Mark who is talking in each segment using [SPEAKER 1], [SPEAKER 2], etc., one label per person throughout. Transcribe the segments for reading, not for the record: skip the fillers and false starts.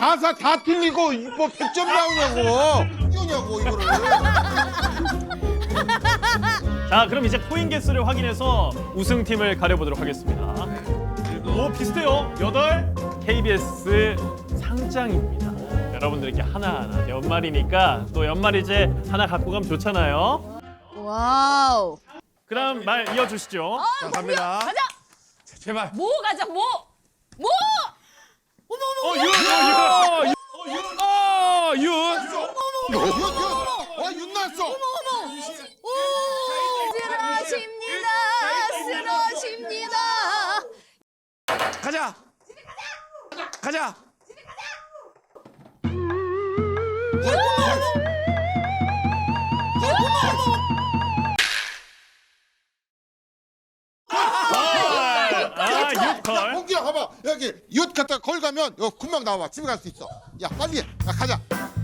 [SPEAKER 1] 가사 다 틀리고 뭐 100점 나오냐고. 뛰어냐고 이거를.
[SPEAKER 2] 자, 그럼 이제 코인 개수를 확인해서 우승팀을 가려보도록 하겠습니다. 오, 비슷해요. 8 KBS 상장입니다. 여러분들께 하나하나 연말이니까 또 연말이제 하나 갖고 가면 좋잖아요.
[SPEAKER 3] 와우.
[SPEAKER 2] 그럼 말 이어주시죠.
[SPEAKER 1] 자, 갑니다.
[SPEAKER 3] 가자.
[SPEAKER 1] 제발.
[SPEAKER 3] 뭐 가자. 뭐?
[SPEAKER 1] 윤 났어.
[SPEAKER 3] 쓰러집니다. 쓰러집니다.
[SPEAKER 1] 가자. 가자.
[SPEAKER 2] 아, 6걸.
[SPEAKER 1] 홍기야 봐봐. 여기 윷 갖다 걸 가면 여기 금방 나와. 집에 갈 수 있어. 야 빨리 해. 야, 가자.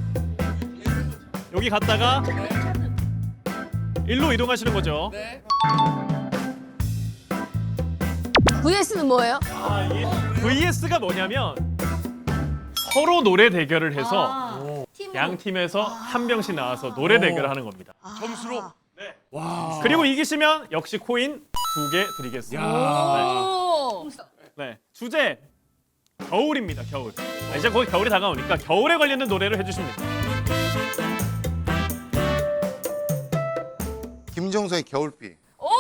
[SPEAKER 2] 여기 갔다가 일로 이동하시는 거죠.
[SPEAKER 3] VS는 뭐예요?
[SPEAKER 2] VS가 뭐냐면 서로 노래 대결을 해서 양 팀에서 한 명씩 나와서 노래 대결을 하는 겁니다.
[SPEAKER 1] 점수로.
[SPEAKER 2] 네. 그리고 이기시면 역시 코인 2개 드리겠습니다.
[SPEAKER 3] 오.
[SPEAKER 2] 네. 주제 겨울입니다. 겨울. 이제 거의 겨울이 다가오니까 겨울에 관련된 노래를 해주십니다.
[SPEAKER 1] 김정서의 겨울비.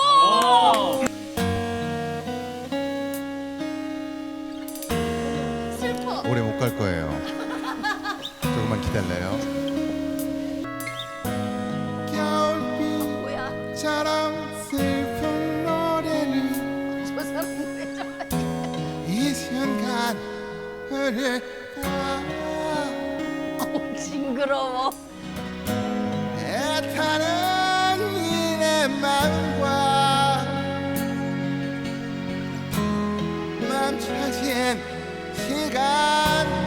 [SPEAKER 3] 슬퍼.
[SPEAKER 1] 오래 못 갈 거예요. 조금만 기다려요.
[SPEAKER 3] 뭐야?
[SPEAKER 1] 겨울비처럼 슬픈 노래는
[SPEAKER 3] 저 사람 왜 저래?
[SPEAKER 1] 이 순간 흐를까.
[SPEAKER 3] 징그러워.
[SPEAKER 1] 애타는 이내 마음과 멈춰진 시간을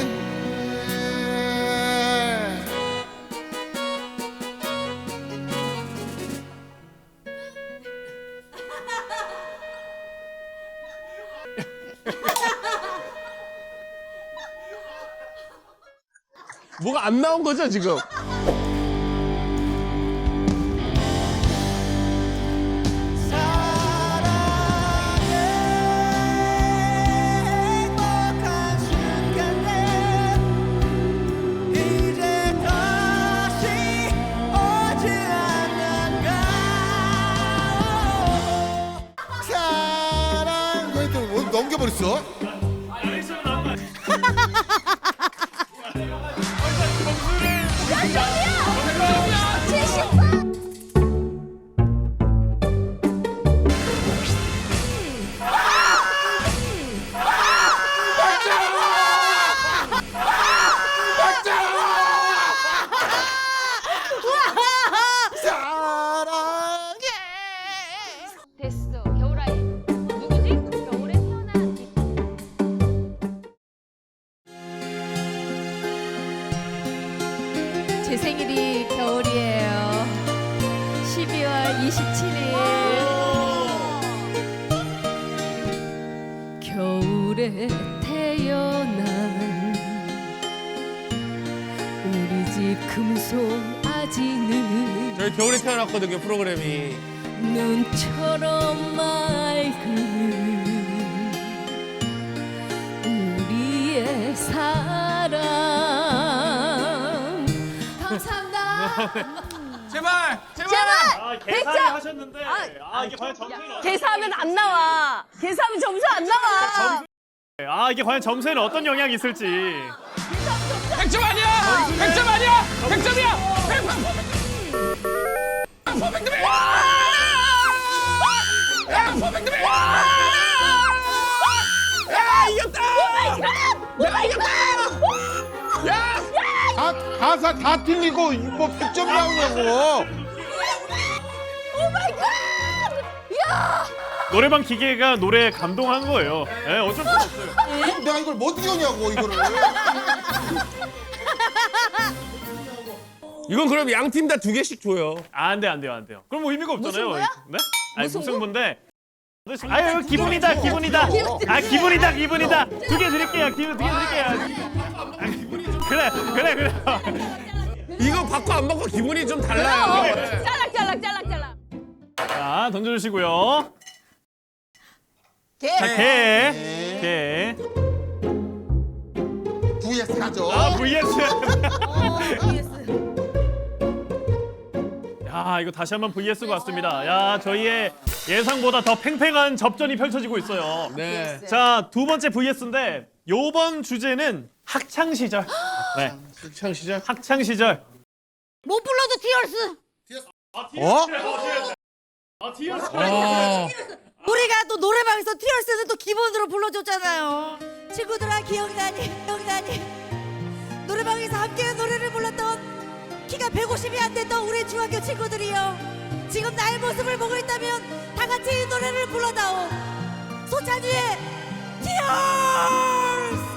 [SPEAKER 4] 뭐가 안 나온 거죠 지금?
[SPEAKER 1] 사랑 이거 또 넘겨버렸어. 사랑해.
[SPEAKER 3] 됐어. 겨울아이. 누구지? 겨울에 태어난 이. 제 생일이 겨울이에요. 12월 27일. 겨울에 태어난 우리 집 금송아지는
[SPEAKER 4] 저희 겨울에 태어났거든요 프로그램이.
[SPEAKER 3] 눈처럼 맑은 우리의 사랑. 감사합니다.
[SPEAKER 4] 제발 제발.
[SPEAKER 2] 아, 계산을 하셨는데 이게 과연 점수는
[SPEAKER 3] 계산하면 안 나와. 계산하면 점수 안 나와.
[SPEAKER 2] 이게 과연 점수에는 어떤 영향이 있을지.
[SPEAKER 4] 100점 아니야. 100점 아니야. 100점이야. 100점이야. 야 이겼다. 내가 이겼다. 야.
[SPEAKER 1] 가사 다 틀리고 뭐 100점 나오냐고.
[SPEAKER 2] 노래방 기계가 노래에 감동한 거예요. 네, 어쩔 수 없어요.
[SPEAKER 1] 내가 이걸 못 이겨냐고 이거를.
[SPEAKER 4] 이건 그럼 양 팀 다 2개씩 줘요.
[SPEAKER 2] 안 돼요. 그럼 뭐 의미가 없잖아요.
[SPEAKER 3] 무승부야?
[SPEAKER 2] 네? 아니
[SPEAKER 3] 무승부?
[SPEAKER 2] 무승부인데. 아유 기분이다. 아 기분이다. 2개 드릴게요. 2개 드릴게요. 그래.
[SPEAKER 4] 이거 받고 안 받고 기분이 좀 달라요.
[SPEAKER 3] 짤락.
[SPEAKER 2] 자, 던져주시고요.
[SPEAKER 3] 개.
[SPEAKER 2] 자, 개.
[SPEAKER 1] VS 가죠.
[SPEAKER 2] 아, VS.
[SPEAKER 3] vs.
[SPEAKER 2] 야, 이거 다시 한번 VS가 왔습니다. 야, 저희의 예상보다 더 팽팽한 접전이 펼쳐지고 있어요.
[SPEAKER 4] 네.
[SPEAKER 2] 자, 두 번째 VS인데 요번 주제는 학창 시절. 네,
[SPEAKER 4] 학창 시절.
[SPEAKER 2] 학창 시절.
[SPEAKER 3] 못 불러도 티얼스.
[SPEAKER 2] 티어스.
[SPEAKER 5] 우리가 또 노래방에서 티얼스는 또 기본으로 불러줬잖아요. 친구들아 기억나니? 노래방에서 함께 노래를 불렀던 키가 150이 안 됐던 우리 중학교 친구들이요. 지금 나의 모습을 보고 있다면 다 같이 이 노래를 불러다오. 소찬휘의 티얼스.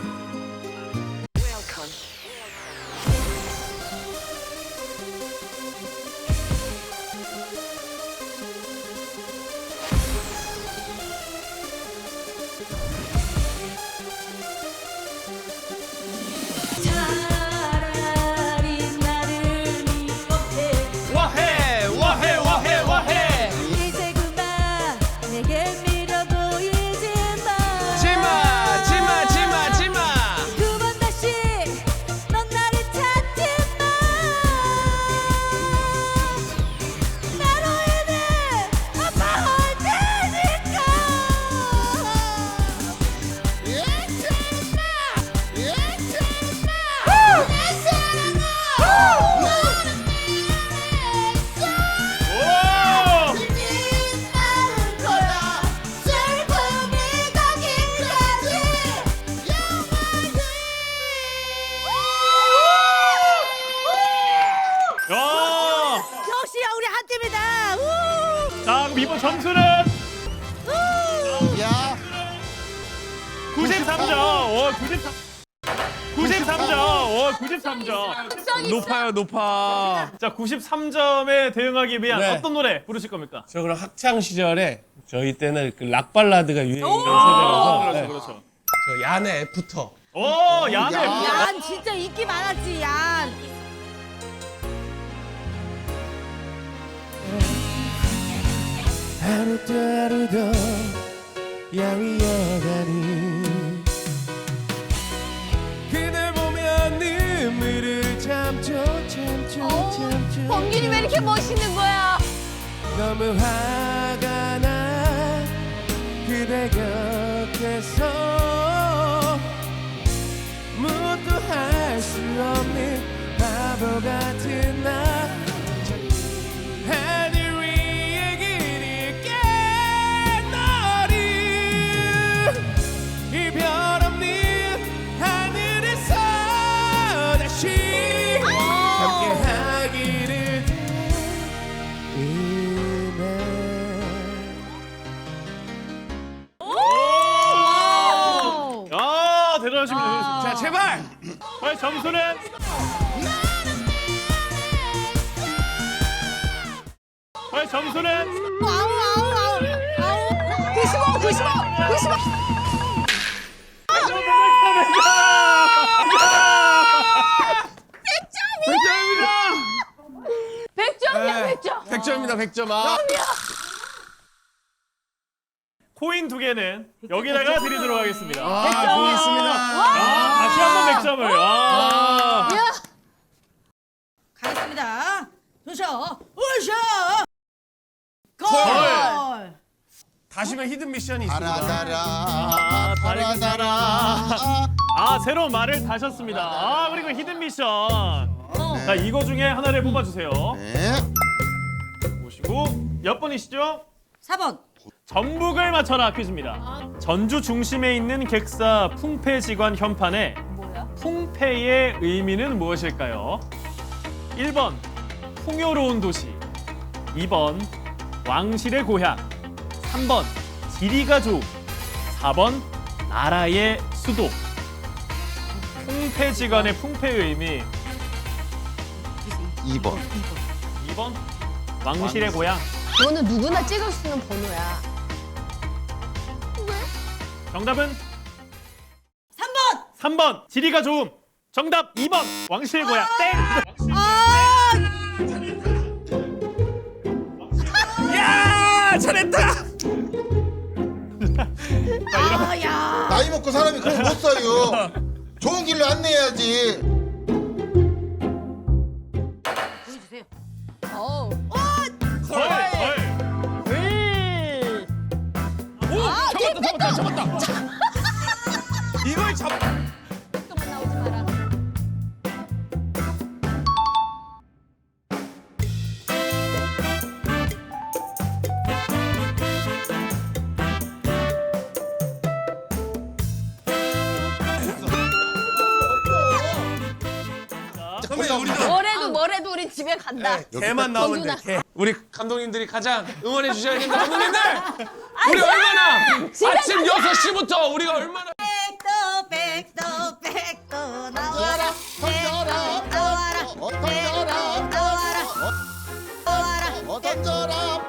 [SPEAKER 5] 차라리 나를 미워해
[SPEAKER 2] 와해.
[SPEAKER 5] 이제 그만 내게 밀어 보이지 마.
[SPEAKER 4] 지마.
[SPEAKER 5] 두 번 다시 넌 나를 찾지 마. 나로 인해 아파할 테니까.
[SPEAKER 2] 오!
[SPEAKER 5] 빛나는 거야 슬픔이 가기까지
[SPEAKER 2] 야!
[SPEAKER 5] 역시야 우리 한 팀이다. 우!
[SPEAKER 2] 자, 그럼 이번 점수는
[SPEAKER 1] 야,
[SPEAKER 2] 93점. 오, 93점. 93점.
[SPEAKER 4] 높아.
[SPEAKER 2] 자, 93점에 대응하기 위한
[SPEAKER 4] 네.
[SPEAKER 2] 어떤 노래 부르실 겁니까?
[SPEAKER 4] 저 그럼 학창 시절에 저희 때는 그 락 발라드가 유행했던 세대라서 네.
[SPEAKER 2] 그렇죠.
[SPEAKER 4] 저 얀의 애프터.
[SPEAKER 2] 오, 야네.
[SPEAKER 5] 얀 진짜 인기 많았지 얀.
[SPEAKER 4] 하루도 야위어가니 그댈 보면 눈물을 참죠.
[SPEAKER 3] 범균이 왜 이렇게 멋있는 거야?
[SPEAKER 4] 너무 화가 나 그대 곁에서 무엇도 할 수 없는 바보 같은 나 하늘 위에 그릴게 너를 이별 없는 하늘에서 다시 함께 하기를
[SPEAKER 2] 야, 대단하십니다.
[SPEAKER 4] 자 제발
[SPEAKER 2] 과연 점수는
[SPEAKER 5] 아우.
[SPEAKER 3] 95.
[SPEAKER 4] 네.
[SPEAKER 3] 100점이야.
[SPEAKER 4] 100점입니다 100점 아.
[SPEAKER 2] 코인 2개는 여기다가 드리도록 하겠습니다.
[SPEAKER 4] 고맙습니다.
[SPEAKER 2] 다시 한번 100점을.
[SPEAKER 5] 가겠습니다. 으쌰. 골.
[SPEAKER 4] 다시면 히든 미션이 있습니다.
[SPEAKER 1] 달아달아.
[SPEAKER 2] 새로운 말을 다셨습니다. 그리고 히든 미션. 자, 이거 중에 하나를 뽑아주세요.
[SPEAKER 1] 네.
[SPEAKER 2] 보시고 몇 번이시죠?
[SPEAKER 5] 4번.
[SPEAKER 2] 전북을 맞춰라 퀴즈입니다. 전주 중심에 있는 객사 풍패지관 현판에 풍패의 의미는 무엇일까요? 1번 풍요로운 도시, 2번 왕실의 고향, 3번 지리가 좋음, 4번 나라의 수도. 풍패지관의 풍패의 의미
[SPEAKER 1] 2번.
[SPEAKER 2] 2번 왕실의 고향.
[SPEAKER 3] 이거는 누구나 찍을 수 있는 번호야.
[SPEAKER 2] 정답은
[SPEAKER 5] 3번.
[SPEAKER 2] 3번 지리가 좋음. 정답 2번 왕실고야 땡.
[SPEAKER 5] 아,
[SPEAKER 4] 야 잘했다.
[SPEAKER 5] 야.
[SPEAKER 1] 나이 먹고 사람이 그걸 못 써요. 좋은 길로 안내해야지.
[SPEAKER 5] 보여주세요.
[SPEAKER 3] 어우.
[SPEAKER 2] 걸.
[SPEAKER 4] 오 잡았다. 이걸 잡.
[SPEAKER 3] 또만 나오지 마라.
[SPEAKER 4] 선배 우리도
[SPEAKER 3] 뭐래도 우린 집에 간다.
[SPEAKER 4] 개만 나오면 돼.
[SPEAKER 3] 정준아.
[SPEAKER 4] 개. 우리 감독님들이 가장 응원해 주셔야 된다. 감독님들. 우리 얼마나 아침 6시부터 우리가 얼마나
[SPEAKER 5] 백도 나와라.
[SPEAKER 1] 던져라.
[SPEAKER 5] 나와라.
[SPEAKER 1] 던져라.
[SPEAKER 5] 나와라. 나와라.
[SPEAKER 1] 던져라.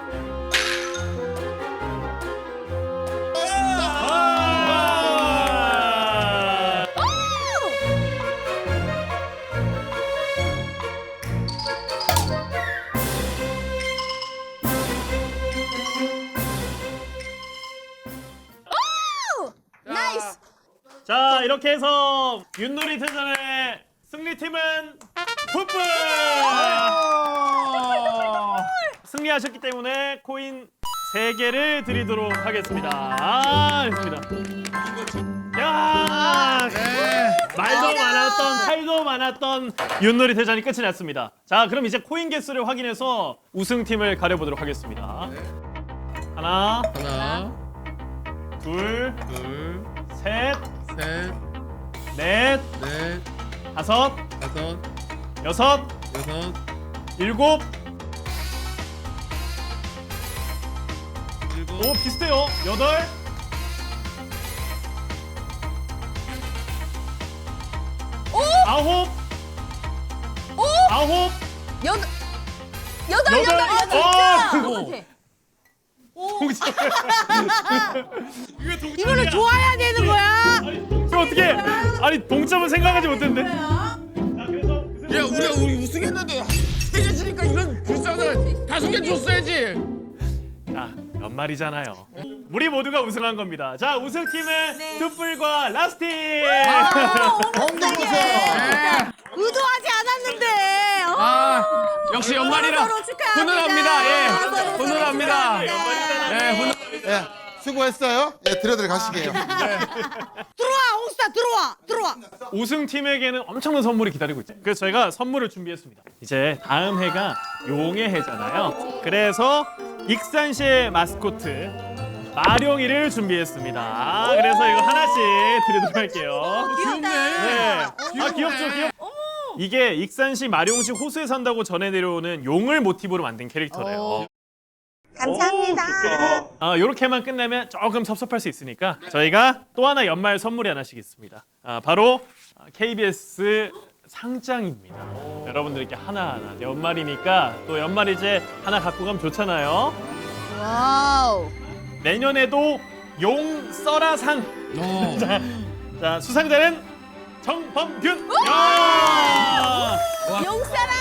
[SPEAKER 3] 나이스.
[SPEAKER 2] 자 이렇게 해서 윷놀이 대전의 승리팀은 풋불 승리하셨기 때문에 코인 3개를 드리도록 하겠습니다. 좋습니다. 야 말도 많았던 탈도 많았던 윷놀이 대전이 끝이 났습니다. 자 그럼 이제 코인 개수를 확인해서 우승팀을 가려보도록 하겠습니다. 하나, 둘, 셋, 넷, 다섯, 여섯, 일곱. 오 비슷해요. 여덟. 아홉. 아홉.
[SPEAKER 3] 여덟.
[SPEAKER 2] 동점.
[SPEAKER 5] 이거는 좋아야 되는 거야.
[SPEAKER 2] 이거 어떻게? 아니 동점은 생각하지 못했는데. 자 그래서
[SPEAKER 4] 야 우리 우승했는데 3개 지니까 이런 불쌍한 5개 줬어야지.
[SPEAKER 2] 자 연말이잖아요. 우리 모두가 우승한 겁니다. 자 우승팀은 툭불과 라스티.
[SPEAKER 1] 건강하세요.
[SPEAKER 5] 의도하지 않았는데.
[SPEAKER 4] 역시 연말이라
[SPEAKER 5] 서로 축하합니다.
[SPEAKER 4] 훈훈합니다. 예,
[SPEAKER 5] 서로 서로
[SPEAKER 4] 훈훈합니다.
[SPEAKER 5] 축하합니다.
[SPEAKER 4] 예, 훈훈.
[SPEAKER 1] 예, 수고했어요. 예, 들어들 가시게요.
[SPEAKER 5] 들어와, 홍스타 들어와.
[SPEAKER 2] 우승팀에게는 엄청난 선물이 기다리고 있죠. 그래서 저희가 선물을 준비했습니다. 이제 다음 해가 용의 해잖아요. 그래서 익산시의 마스코트 마룡이를 준비했습니다. 그래서 이거 하나씩 드리도록 할게요.
[SPEAKER 5] 귀엽다.
[SPEAKER 2] 네. 아 귀엽죠. 이게 익산시 마룡시 호수에 산다고 전해 내려오는 용을 모티브로 만든 캐릭터래요.
[SPEAKER 5] 감사합니다.
[SPEAKER 2] 이렇게만 끝내면 조금 섭섭할 수 있으니까 저희가 또 하나 연말 선물이 하나씩 있습니다. 바로 KBS 상장입니다. 여러분들께 하나하나 연말이니까 또 연말 이제 하나 갖고 가면 좋잖아요.
[SPEAKER 3] 와우.
[SPEAKER 2] 내년에도 용 써라상. 자 수상자는 정범균.
[SPEAKER 3] 용사라.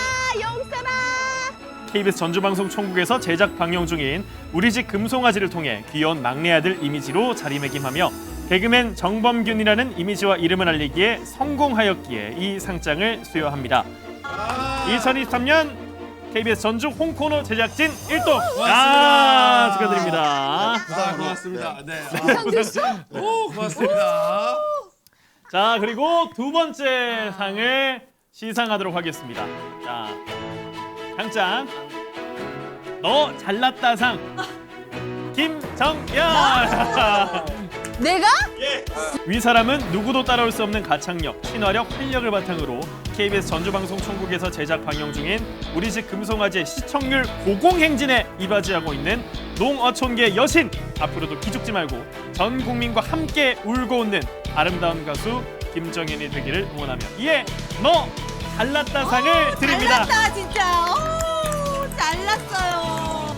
[SPEAKER 2] KBS 전주방송총국에서 제작 방영 중인 우리 집 금송아지를 통해 귀여운 막내 아들 이미지로 자리매김하며 개그맨 정범균이라는 이미지와 이름을 알리기에 성공하였기에 이 상장을 수여합니다. 2023년 KBS 전주 홍코너 제작진 1동. 축하드립니다.
[SPEAKER 4] 고맙습니다. 네.
[SPEAKER 2] 오, 고맙습니다. 자, 그리고 두 번째 상을 시상하도록 하겠습니다. 자, 상장 너 잘났다 상 김정연.
[SPEAKER 3] 내가?
[SPEAKER 2] 위 사람은 누구도 따라올 수 없는 가창력, 친화력, 활력을 바탕으로 KBS 전주방송총국에서 제작 방영 중인 우리 집 금송아지의 시청률 고공행진에 이바지하고 있는 농어촌계 여신. 앞으로도 기죽지 말고 전 국민과 함께 울고 웃는 아름다운 가수 김정연이 되기를 응원하며 이에 너 잘났다 상을 드립니다.
[SPEAKER 5] 잘났다 진짜. 잘났어요.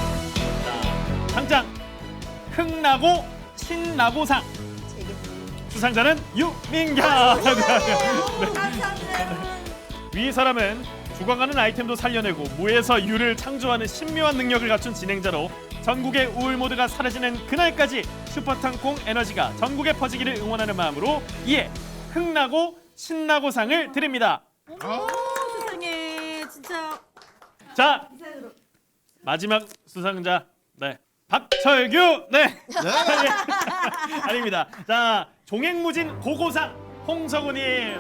[SPEAKER 2] 상장 흥나고 신나고상. 수상자는 유민경.
[SPEAKER 5] 감사합니다.
[SPEAKER 2] 위 사람은 죽어가는 아이템도 살려내고 무에서 유를 창조하는 신묘한 능력을 갖춘 진행자로 전국의 우울 모드가 사라지는 그날까지 슈퍼탕콩 에너지가 전국에 퍼지기를 응원하는 마음으로 이에 흥나고 신나고 상을 드립니다.
[SPEAKER 5] 세상에 진짜.
[SPEAKER 2] 자, 마지막 수상자 네 박철규 네 아닙니다. 자, 종횡무진 고고상 홍석우님.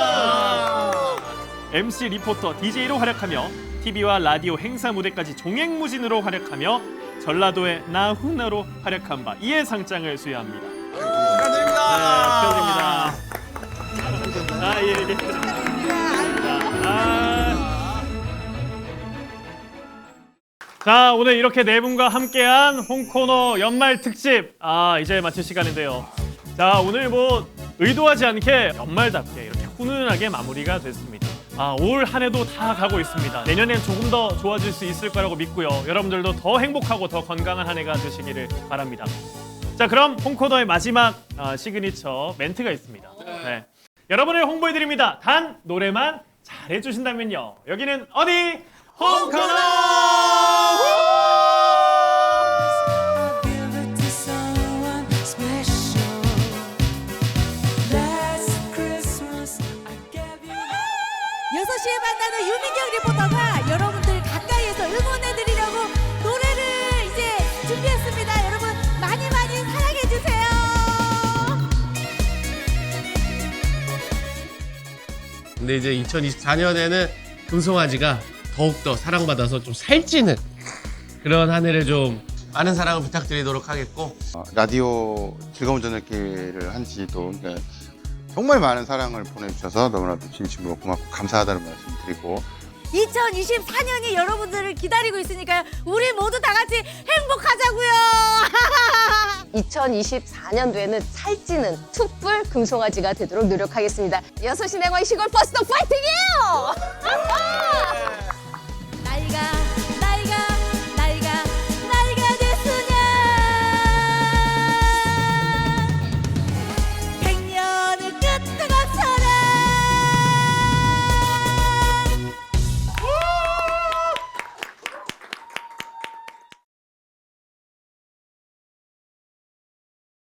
[SPEAKER 2] MC 리포터 DJ로 활약하며 TV와 라디오 행사 무대까지 종횡무진으로 활약하며 전라도의 나훈아로 활약한 바 이에 상장을 수여합니다.
[SPEAKER 1] 축하드립니다.
[SPEAKER 2] 네, 축하드립니다. 예. 자, 오늘 이렇게 네 분과 함께한 홍코너 연말 특집 이제 마칠 시간인데요. 자, 오늘 뭐 의도하지 않게 연말답게 이렇게 훈훈하게 마무리가 됐습니다. 올 한 해도 다 가고 있습니다. 내년엔 조금 더 좋아질 수 있을 거라고 믿고요. 여러분들도 더 행복하고 더 건강한 한 해가 되시기를 바랍니다. 자, 그럼 홍코너의 마지막 시그니처 멘트가 있습니다. 네. 여러분을 홍보해드립니다. 단 노래만 잘해주신다면요. 여기는 어디? 홍코너!
[SPEAKER 6] Give it to someone special. Last Christmas I gave you.
[SPEAKER 5] 6시에 만나는 유민경 리포터가 여러분들 가까이에서 응원해드리려고 노래를 이제 준비했습니다. 여러분 많이 많이 사랑해주세요.
[SPEAKER 7] 근데 이제 2024년에는 금송아지가 더욱더 사랑받아서 좀 살찌는 그런 한 해를 좀 많은 사랑을 부탁드리도록 하겠고,
[SPEAKER 1] 라디오 즐거운 저녁길을 한 지도 정말 많은 사랑을 보내주셔서 너무나도 진심으로 고맙고 감사하다는 말씀 드리고
[SPEAKER 5] 2024년이 여러분들을 기다리고 있으니까요. 우리 모두 다 같이 행복하자고요.
[SPEAKER 3] 2024년도에는 살찌는 툭불 금송아지가 되도록 노력하겠습니다. 6시 내광 시골 버스도 파이팅이에요!